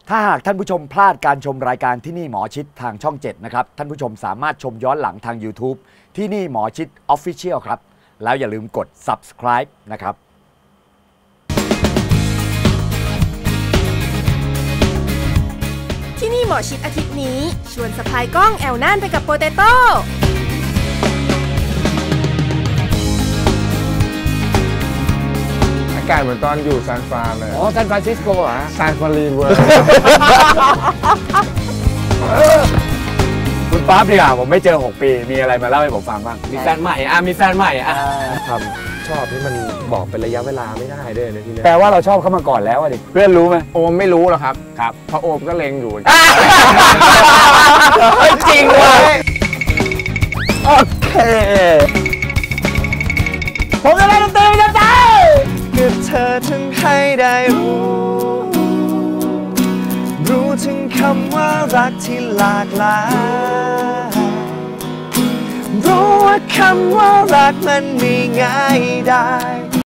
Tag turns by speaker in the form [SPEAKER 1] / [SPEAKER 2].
[SPEAKER 1] ถ้าหากท่านผู้ชมพลาดการชมรายการที่นี่หมอชิดทางช่อง 7 นะครับท่านผู้ชมสามารถชมย้อนหลังทาง YouTube ที่นี่หมอชิด Official ครับแล้วอย่าลืมกด Subscribe นะครับ
[SPEAKER 2] ที่นี่หมอชิดอาทิตย์นี้ชวนสะพายกล้องแอวน่านไปกับโปเตโต้
[SPEAKER 3] อากาศเหมือนตอนอยู่ซานฟรานเลย
[SPEAKER 1] ซานฟรานซิสโกเหรอ
[SPEAKER 3] ซานฟรานรีเวิร์
[SPEAKER 1] คุณป๊าบดีกว่าผมไม่เจอ6 ปีมีอะไรมาเล่าให้ผมฟังบ้าง
[SPEAKER 4] มีแฟนใหม่มีแฟนใหม่
[SPEAKER 3] ความชอบที่มันบอกเป็นระยะเวลาไม่ได้ด้วยนะที่นี่
[SPEAKER 1] แปลว่าเราชอบเขามาก่อนแล้วดิเพื่อนรู้ไหม
[SPEAKER 3] โอมไม่รู้หรอกครับ
[SPEAKER 1] ครับ
[SPEAKER 3] เพราะโอมก็เล็งอยู่
[SPEAKER 1] จริงว่ะโอเคผมจะเล่นดนตรีนะจ๊ะ
[SPEAKER 5] ก็เธอถึงให้ได้รู้ถึงคำว่ารักที่หลากหลายรู้ว่าคำว่ารักมันไม่ง่ายได้